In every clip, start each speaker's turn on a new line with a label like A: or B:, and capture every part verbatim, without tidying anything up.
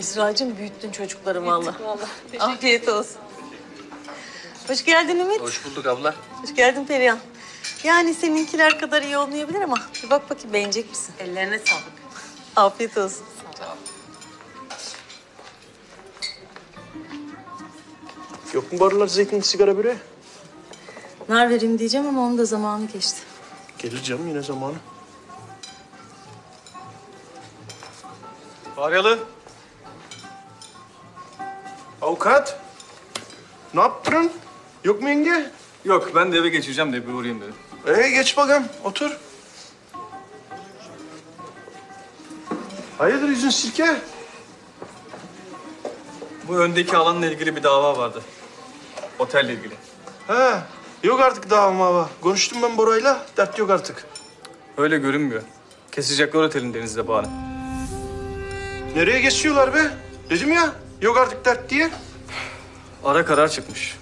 A: Esra'cığım büyüttün çocukları vallahi. Afiyet olsun. Hoş geldin Ümit.
B: Hoş bulduk abla.
A: Hoş geldin Perihan. Yani seninkiler kadar iyi olmayabilir ama bir bak bakayım beğenecek misin?
C: Ellerine sağlık.
A: Afiyet olsun.
B: Sağ ol.
D: Yok mu barlar zeytin, sigara böreği?
A: Nar vereyim diyeceğim ama onun da zamanı geçti.
D: Gelir canım yine zamanı.
E: Faryalı.
D: Avukat. Ne yaptın? Yok mu yenge?
E: Yok, ben de eve geçeceğim de bir uğrayayım dedim.
D: Ee geç bakalım, otur. Hayırdır yüzün sirke?
E: Bu öndeki alanla ilgili bir dava vardı. Otelle ilgili.
D: He, yok artık daha ama. Konuştum ben Bora'yla, dert yok artık.
E: Öyle görünmüyor. Kesecekler otelin denizde bağını.
D: Nereye geçiyorlar be? Dedim ya, yok artık dert diye.
E: Ara karar çıkmış.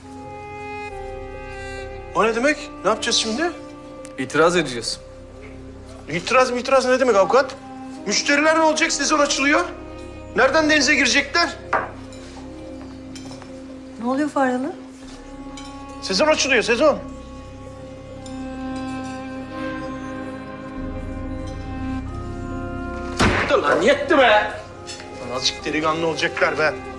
D: O ne demek? Ne yapacağız şimdi?
E: İtiraz edeceğiz.
D: İtiraz mı itiraz ne demek avukat? Müşteriler ne olacak? Sezon açılıyor. Nereden denize girecekler?
A: Ne oluyor Faryalı?
D: Sezon açılıyor, sezon. Dur lan, yetti be! Lan azıcık delikanlı olacaklar be.